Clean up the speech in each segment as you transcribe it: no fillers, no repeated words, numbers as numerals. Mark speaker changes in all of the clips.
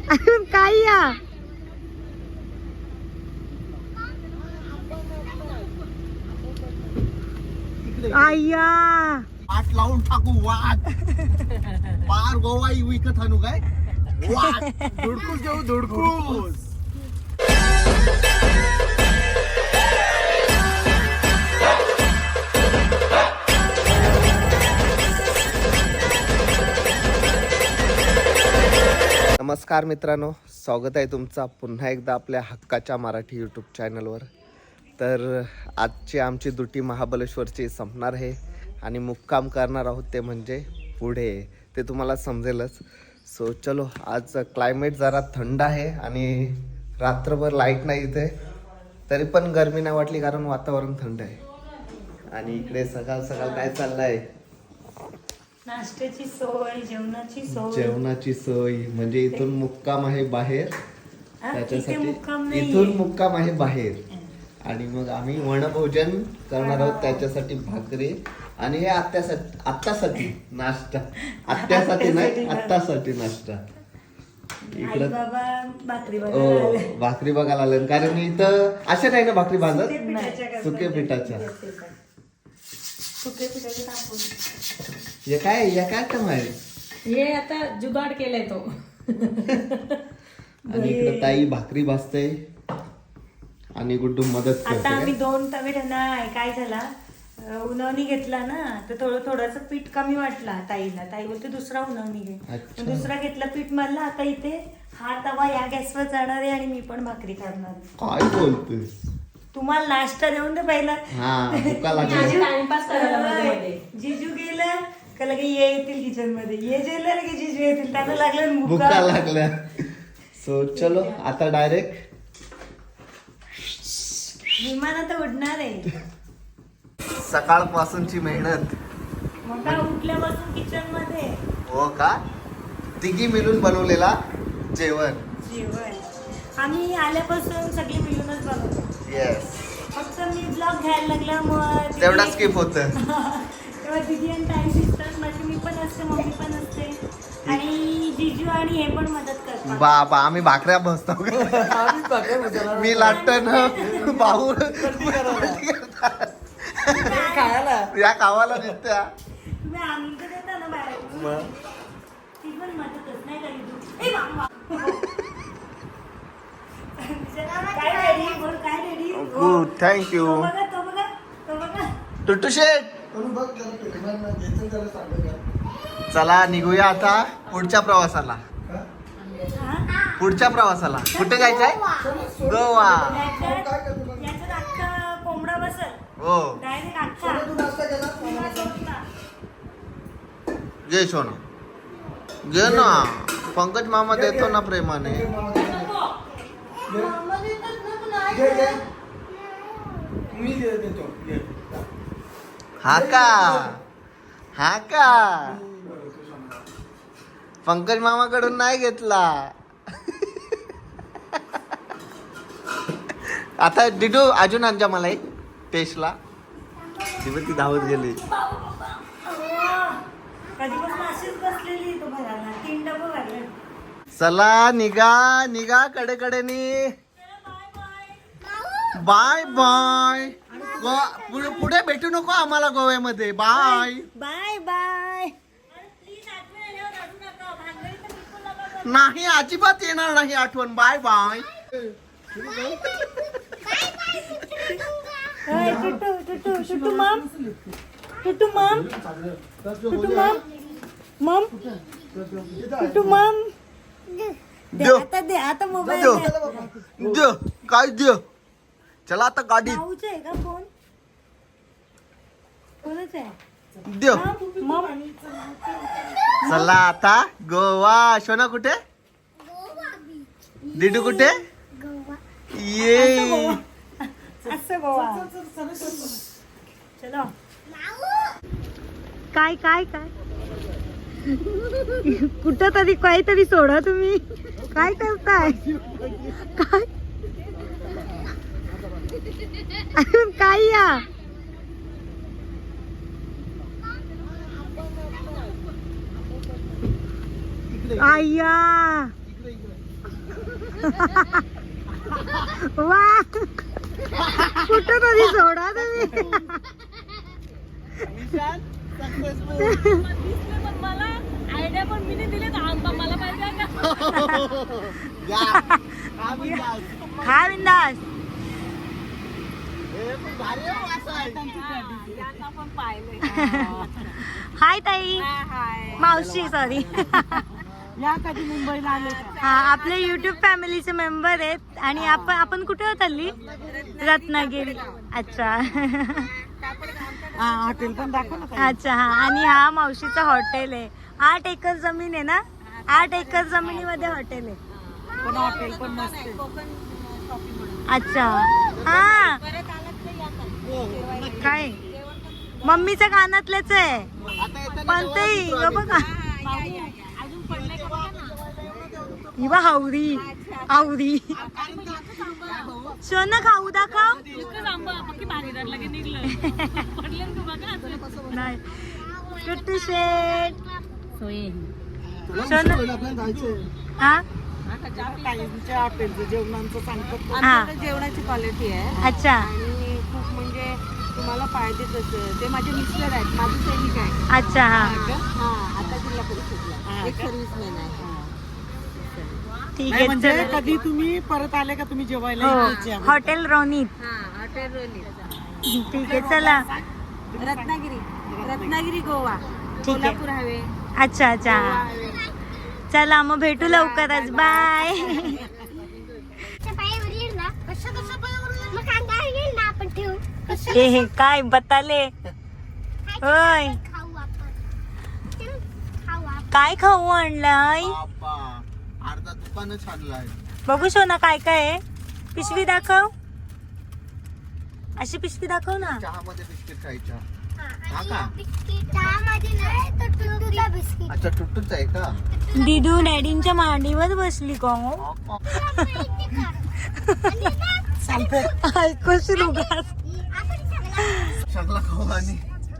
Speaker 1: अजून काय या आया
Speaker 2: वाट लावून टाकू वाट पार गोवा विकत आणू काय वाट धुडकूस घेऊ धुडकूस. नमस्कार मित्रांनो, स्वागत आहे तुमचा पुन्हा एकदा आपल्या हक्काच्या मराठी यूट्यूब चॅनलवर. तर आजची आमची दुटी महाबळेश्वरची संपणार आहे आणि मुक्काम करणार आहोत ते म्हणजे पुढे, ते तुम्हाला समजेलच. सो चलो, आज क्लायमेट जरा थंड आहे आणि रात्रभर लाईट नाही इथे, तरी पण गरमी नाही वाटली कारण वातावरण थंड आहे. आणि इकडे सकाळ सकाळ काय चाललं आहे?
Speaker 1: नाश्त्याची सोय,
Speaker 2: जेवणाची सोय म्हणजे इथून मुक्काम आहे बाहेर, त्याच्यासाठी इथून मुक्काम आहे बाहेर आणि मग आम्ही वनभोजन करणार आहोत, त्याच्यासाठी भाकरी आणि हे आत्तासाठी नाश्ता, आत्यासाठी नाही आत्तासाठी नाश्ता. इकडं भाकरी बघायला आलं कारण इथं अशा नाही ना भाकरी भाजत, सुके पिठाच्या. हे काय काम आहे?
Speaker 1: हे आता जुगाड केलाय तो.
Speaker 2: आणि इकडे ताई भाकरी भाजते आणि गुड्डू मदत करते.
Speaker 1: आता आम्ही 2 तवे ठेवणार. काय झाला, उन्हावणी घेतला ना तर थोडंसं पीठ कमी वाटला ताईला. ताई बोलते दुसरा उन्हावणी घे. दुसरा घेतला, पीठ मारला. आता इथे हा तवा या गॅसवर जाणार आहे आणि मी पण भाकरी करणार.
Speaker 2: काय बोलतेस?
Speaker 1: तुम्हाला नाश्ता देऊन दे पहिला. जिजू गेलं का लगे ये येतील किचन मध्ये, ये जेलं लगे जिजू येतील, त्यांना लागलं
Speaker 2: भुका लागल्या. सो चलो आता डायरेक्ट
Speaker 1: विमानात उडणार आहे.
Speaker 2: सकाळपासूनची मेहनत.
Speaker 1: मग काय उठल्यापासून किचन मध्ये.
Speaker 2: हो का? तिघी मिळून बनवलेला जेवण.
Speaker 1: आम्ही आल्यापासून सगळी मिळूनच बनवतो.
Speaker 2: येस.
Speaker 1: फक्त मी ब्लॉग घ्यायला लागला मग
Speaker 2: तेवढा स्किप होत.
Speaker 1: तेव्हा दिदी आणि ताई दिसतात, माझी मी पण असते, मम्मी पण असते आणि जिजू आणि हे पण मदत करतात.
Speaker 2: बाबा आम्ही भाकऱ्या बसतो. मी लाटण भाऊ या कावाला दिसत्या.
Speaker 1: तुम्ही आमचं देता ना बाहेर, ती पण मदतच नाही करी.
Speaker 2: Good, thank you. टुट्टू शेट, चला निघूया आता पुढच्या प्रवासाला. कुठे जायचंय? गोवा.
Speaker 1: कोंबडा बसल
Speaker 2: हो. घे सोना, घे ना. पंकज मामा देतो ना प्रेमाने. हा का पंकज मामाकडून नाही घेतला. आता डिडू अजून आणजा मला एक टेस्टला. ती धावत गेली. चला निघा कडेकडेनी. Bye bye. पुढे भेटू नको आम्हाला गोव्यामध्ये. Bye
Speaker 1: bye bye.
Speaker 2: नाही अजिबात येणार नाही आठवण. Bye bye.
Speaker 1: टुटू मम. दे आता मोबाईल
Speaker 2: दे. काय दे? चला आता गाडी
Speaker 1: आहे का? फोन कोणाच आहे?
Speaker 2: दे. चला आता गोवा. शोना कुठे? डिडू कुठे? ये
Speaker 1: असं गोवा. चलो. काय काय काय कुठं तरी काहीतरी सोडा तुम्ही. काय करताय? काय अजून काय या आया वा कुठं तरी सोडा तुम्ही.
Speaker 3: मला आयडिया पण मी नाही दिले आंबा मला पाहिजे
Speaker 1: हा बिंदास.
Speaker 3: पण पाहिलंय.
Speaker 1: हाय ताई, मावशी सॉरी.
Speaker 3: या कधी मुंबईला आले
Speaker 1: हा आपले युट्यूब फॅमिलीचे मेंबर आहेत. आणि आपण कुठे होत हल्ली? रत्नागिरी. अच्छा.
Speaker 3: हॉटेल पण दाखव ना.
Speaker 1: अच्छा हा. आणि हा मावशीचा हॉटेल आहे. 8 एकर जमीन आहे ना. 8 एकर जमिनीमध्ये हॉटेल आहे.
Speaker 3: पण हॉटेल पण मस्त.
Speaker 1: अच्छा हा. काय मम्मीच्या कानातलेच आहे. पण ते बघा हिवा हावरी हावरी. सोनं खाऊ दाखव. नाही टुट्टू शेट. हा
Speaker 3: हॉटेलचं जेवणाचं सांगतात.
Speaker 1: हा.
Speaker 3: आमच्याकडे जेवणाची क्वालिटी आहे
Speaker 1: अच्छा
Speaker 3: आणि खूप म्हणजे तुम्हाला पाहिजे तसं. ते माझे मिस्टर आहेत, माझी सैनिक आहे.
Speaker 1: अच्छा हा
Speaker 3: हा आता जिल्हा परिषदला एक सर्व्हिसमॅन आहे.
Speaker 1: ठीक
Speaker 3: नाही
Speaker 1: आहे.
Speaker 3: म्हणजे
Speaker 1: चला.
Speaker 3: कधी तुम्ही परत आले का तुम्ही जेवायला
Speaker 1: हो
Speaker 3: इथेच या.
Speaker 1: हॉटेल रोनीत.
Speaker 3: हॉटेल रोली.
Speaker 1: ठीक आहे चला.
Speaker 3: रत्नागिरी गोवा
Speaker 1: ठीक आहे.
Speaker 3: कोल्हापूर हवे.
Speaker 1: अच्छा अच्छा चला मग भेटू लवकरच. बाय. हे काय बताले. होय काय खाऊ आणलाय?
Speaker 2: अर्धा दुकानच आणलाय.
Speaker 1: बघू शो ना काय काय आहे. पिशवी दाखव. अशी पिशवी दाखव ना.
Speaker 2: चहामध्ये बिस्किट खायच्या. हा का?
Speaker 4: बिस्किट
Speaker 2: अच्छा टुट्टूच आहे का?
Speaker 1: दिदू डॅडींच्या मांडीवर बसली का हो? ऐकूच रुगास.
Speaker 2: सगळा खाऊ आणि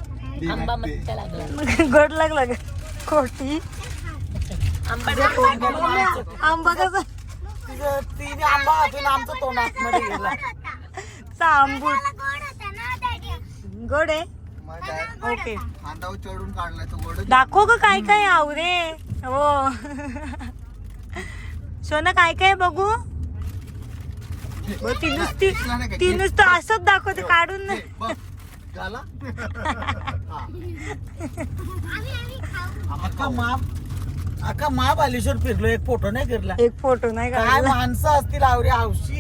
Speaker 1: गोड लागला का खोटी. आंबा कसा
Speaker 3: तिने आंबा हातून आमचं तोंड आतमध्ये गेला.
Speaker 1: आंबूट गोड आहे. ओके
Speaker 2: खांदावर चढून काढलाय तो गोड.
Speaker 1: दाखव ग काय काय आवरे. हो सोना काय काय बघू. ती नुसतं असंच दाखवते काढून नाही.
Speaker 2: झाला
Speaker 3: अख्खा महाबालेश्वर फिरलो, एक फोटो नाही फिरला.
Speaker 1: एक फोटो नाही
Speaker 3: काय
Speaker 1: काढला.
Speaker 3: माणसं असतील आवरी हौशी.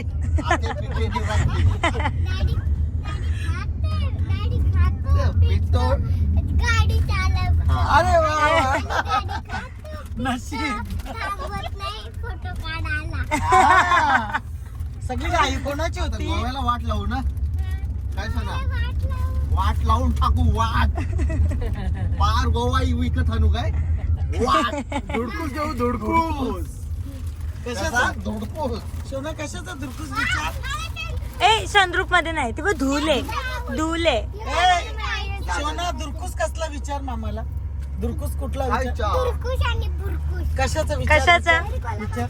Speaker 4: गाडी चालव
Speaker 3: अरे वा नशीब.
Speaker 4: फोटो काढायला
Speaker 3: हा. सगळी आई कोणाची
Speaker 2: आता
Speaker 3: होती?
Speaker 2: गोव्याला वाट लावू ना. काय सांगा वाट लावून टाकू. वाट पार गोवा विकत आणू काय. वाट धुडकूस घेऊ. धुडकूस
Speaker 3: कशाचा
Speaker 2: धुडकूस.
Speaker 3: सोना कशाचा दुर्कुस विचार.
Speaker 1: ए चंद्रूप मध्ये नाही ते बघ धुले धुले.
Speaker 3: ए, सोना दुर्कुस कसला विचार मामाला. दुर्कुस कुठला विचार.
Speaker 2: खायच्या.
Speaker 4: बुरकुश आणि बुरकुश
Speaker 3: कशाचा विचार.
Speaker 1: कशाचा?
Speaker 3: विचार.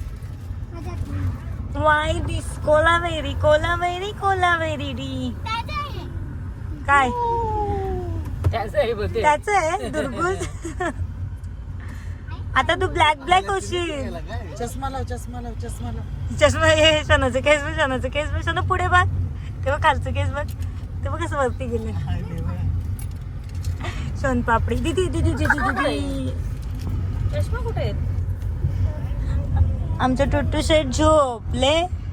Speaker 1: Why this Kolaveri Kolaveri Kolaveri di. काय त्याच आहे दुर्गुज. आता तू ब्लॅक ब्लॅक होशील.
Speaker 3: चष्मा लाव चष्मा लाव चष्मा लाव.
Speaker 1: चष्मा हे शनाचं केस बघ शनाचं केस बघ. शना पुढे बघ तेव्हा खालचं केस बघ. तेव्हा कसं वरती गेले. सोन पापडी दिदी दिदी दिदी दिदी.
Speaker 3: चष्मा कुठे आहेत.
Speaker 1: आमचं टुट्टू शेट झोपले.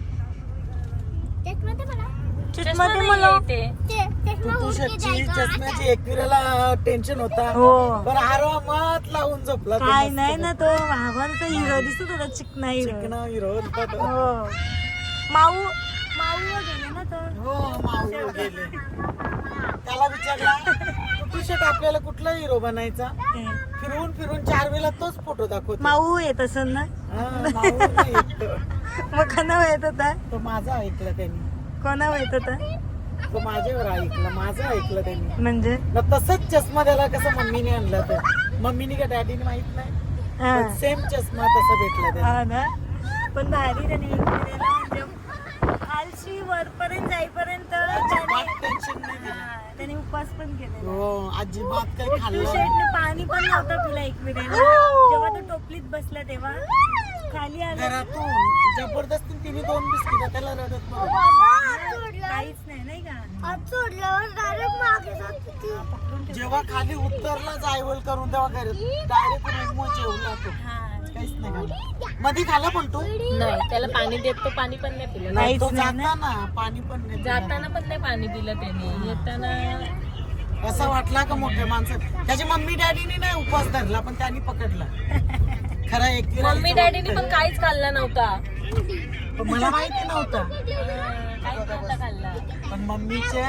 Speaker 1: चष्मा ते मला
Speaker 3: तू शेटची चष्म्याची एकविराला टेन्शन होता.
Speaker 1: हो
Speaker 3: पण आरामात लावून झोपला. तो
Speaker 1: काय
Speaker 3: मस्त.
Speaker 1: नाही ना तो भावाचा हिरो दिसतो थोडा चिकना हिरो.
Speaker 3: चिकना हिरो होता तो.
Speaker 1: हो माऊ माऊ गेले ना तो.
Speaker 3: हो माऊ गेले. त्याला विचारला तू शेट आपल्याला कुठला हिरो बनायचा. फिरून फिरून 4 वेळा तोच फोटो दाखवतो.
Speaker 1: माऊ येत असेल ना.
Speaker 3: हा, माऊ नाही येत.
Speaker 1: मग कोणावर येत होता.
Speaker 3: तो माझा ऐकला त्यांनी.
Speaker 1: कोणावर येत होता
Speaker 3: तो माझ्यावर ऐकला. माझं ऐकलं त्यांनी.
Speaker 1: म्हणजे
Speaker 3: मग तसंच चष्मा त्याला कसं मम्मीने आणला तर. मम्मीने का डॅडीने माहित नाही.
Speaker 1: हा
Speaker 3: सेम चष्मा तसा भेटला त्याला.
Speaker 1: हा ना. पण भारी त्याने हे केलेलं म्हणजे खालशी वरपर्यंत जाईपर्यंत
Speaker 3: टेन्शन नाही दिलं.
Speaker 1: त्याने उपवास पण केलेला.
Speaker 3: हो अजिबात काही
Speaker 1: पिंटू
Speaker 3: खाल्लं
Speaker 1: शेटने पाणी पण नव्हतं पिला एकविरेला. जेव्हा तो टोपलीत बसला तेव्हा खाली आला
Speaker 3: घरातून जबरदस्ती तिने 2 बिस्किट त्याला रडत बघ.
Speaker 1: काहीच नाही का
Speaker 4: सोडल्यावर डायरेक्ट मागे जात होती.
Speaker 3: जेव्हा खाली उतरला जायवल करून तेव्हा डायरेक्ट रूम जेवला तो.
Speaker 1: हा.
Speaker 3: काहीच नाही खाल्लं. मध्ये खाल्ला पण तो
Speaker 5: नाही त्याला पाणी देत तो पाणी पण नाही पिलं
Speaker 3: नाही तो
Speaker 1: काहीच नाही
Speaker 3: जाताना पाणी पण नाही पिलं.
Speaker 5: जाताना पण नाही पाणी पिलं त्याने येताना
Speaker 3: असं वाटला का मोठ्या माणसं त्याची मम्मी डॅडीने नाही उपवास धरला पण त्यांनी पकडला खरा एक
Speaker 5: मम्मी डॅडीने पण काहीच खाल्ला नव्हता
Speaker 3: मला माहिती नव्हता
Speaker 5: काहीच नव्हता खाल्ला
Speaker 3: पण मम्मीच्या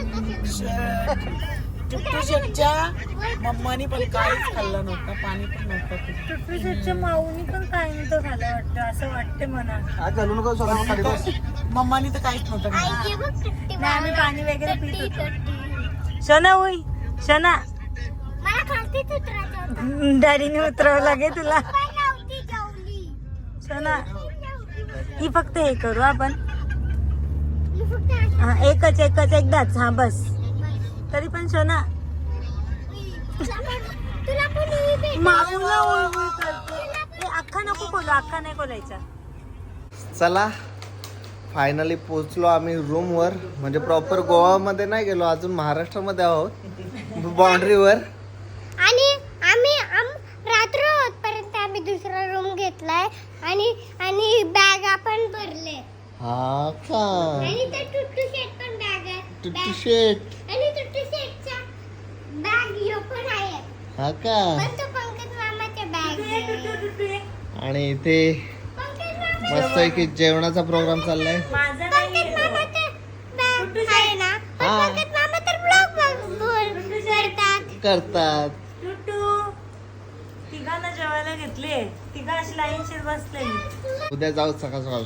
Speaker 3: टुट्टू शेटच्या मम्मानी पण काहीच खाल्लं नव्हतं पाणी पण नव्हतं पिलं.
Speaker 1: टुट्टू शेटच्या माऊनी पण काही नव्हतं खाल्लं वाटतं असं वाटते मला.
Speaker 3: मम्मानी तर काहीच नव्हतं खाल्लं.
Speaker 4: आई बघ सुट्टी
Speaker 1: नाही आम्ही पाणी वगैरे पित
Speaker 4: सुट्टी
Speaker 1: होतो.
Speaker 4: सुट्टी.
Speaker 1: शना होई शना
Speaker 4: मला खालतीच उतरायचं होतं.
Speaker 1: डॅडीने उतरावं लागेल तुला.
Speaker 4: पण नव्हती जेवली.
Speaker 1: शना ही फक्त हे करू आपण.
Speaker 4: मी फक्त अशी
Speaker 1: हा एकच एकदाच. हा बस. तरी पण शना
Speaker 4: तुला पण ही भेट.
Speaker 1: माऊला उलवी करते. ए, अख्खा नको खोलू. अख्खा नाही खोलायचा.
Speaker 2: चला फायनली पोचलो आम्ही रूमवर. म्हणजे प्रॉपर गोवामध्ये नाही गेलो अजून, महाराष्ट्रामध्ये आहोत बाउंड्रीवर.
Speaker 4: आणि रात्र होतपर्यंत आम्ही दुसरा रूम घेतलाय आणि बॅग आपण भरले
Speaker 2: हा का
Speaker 4: आणि ते टुट्टू शेट पण बॅग आहे
Speaker 2: टुट्टू शेट
Speaker 4: आणि टुट्टू शेटचा बॅग ह्यो पण आहे
Speaker 2: हा का.
Speaker 4: पण तो पंकज मामाच्या बॅग आहे.
Speaker 2: आणि इथे
Speaker 4: पंकज मामा
Speaker 2: मस्त की जेवणाचा प्रोग्राम चाललाय.
Speaker 1: माझा
Speaker 4: पंकज मामाचा बॅग आहे ना पण
Speaker 2: हा.
Speaker 4: पंकज मामा तर ब्लॉग करतात.
Speaker 1: टुटू तिघांना जेवायला घेतले. तिघा अशी लाईनशीर बसलेली.
Speaker 2: उद्या जाऊ सकाळ सकाळ.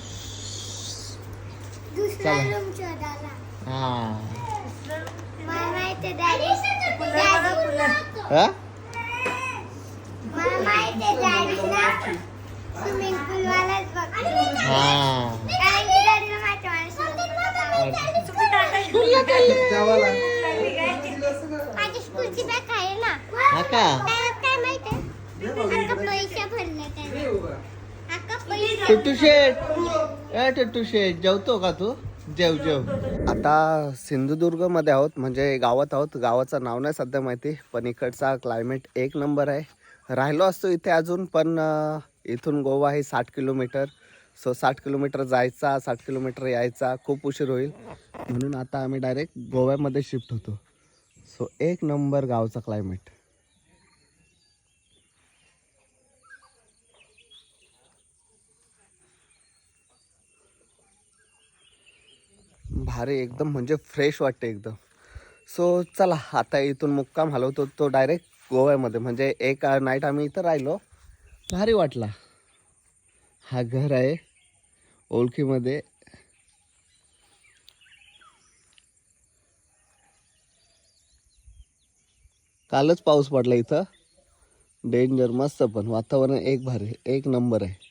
Speaker 4: दुसरा
Speaker 2: चला.
Speaker 4: रूम शोधायला
Speaker 2: हा
Speaker 4: मला माहिती डॅडी
Speaker 2: हा?
Speaker 4: मला माहिती डॅडी ना स्विमिंग पूल वालाच बघतो
Speaker 2: हा
Speaker 4: कारण की डॅडीला माहिती मला
Speaker 1: तुम्ही टाकायची
Speaker 4: माझी स्कूलची बॅग आहे ना
Speaker 2: हा का.
Speaker 4: त्यात काय माहिती अक्का पैसे भरले त्याने अक्का पैसे
Speaker 2: टुट्टू शेट ए टुट्टू शेट जेवतो का तू. जेव जेव. आता सिंधुदुर्ग मध्ये आहोत म्हणजे गावात आहोत. गावाचं नाव नाही सध्या माहिती पण इकडचा क्लायमेट एक नंबर आहे. राहिलो असतो इथे अजून पण इथून गोवा आहे 60 किलोमीटर. सो 60 किलोमीटर जायचा 60 किलोमीटर यायचा खूप उशीर होईल म्हणून आता आम्ही डायरेक्ट गोव्यामध्ये शिफ्ट होतो. सो एक नंबर गावचा क्लायमेट. भारी एकदम म्हणजे फ्रेश वाटते एकदम. सो चला आता इथून मुक्काम हलवतो तो डायरेक्ट गोव्यामध्ये. म्हणजे एक नाईट आम्ही इथं राहिलो. भारी वाटला. हा घर आहे ओळखीमध्ये. कालच पाऊस पडला इथं. डेंजर मस्त पण वातावरण एक भारी एक नंबर आहे.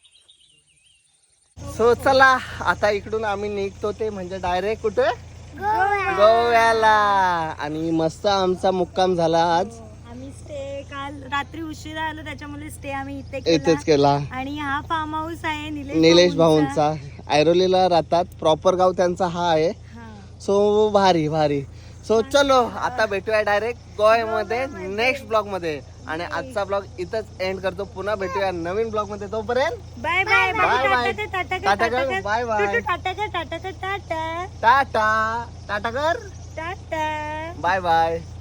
Speaker 2: सो चला आता इकडून आम्ही निघतो ते म्हणजे डायरेक्ट कुठे गोव्याला. आणि मस्त आमचा मुक्काम झाला आज.
Speaker 1: आम्ही स्टे काल रात्री उशिरा आलो त्याच्यामुळे स्टे आम्ही इथे
Speaker 2: इथेच केला.
Speaker 1: आणि हा फार्म हाऊस आहे
Speaker 2: निलेश भाऊंचा. ऐरोलीला राहतात. प्रॉपर गाव त्यांचा हा आहे. सो भारी भारी. सो चलो आता भेटूया डायरेक्ट गोव्यामध्ये नेक्स्ट ब्लॉग मध्ये. आणि आजचा ब्लॉग इथंच एंड करतो. पुन्हा भेटूया नवीन ब्लॉग मध्ये. तोपर्यंत
Speaker 1: bye bye
Speaker 2: bye bye.
Speaker 1: Tata
Speaker 2: tata कर. Bye bye.
Speaker 1: Tata tata tata
Speaker 2: tata tata कर.
Speaker 1: Tata
Speaker 2: bye bye.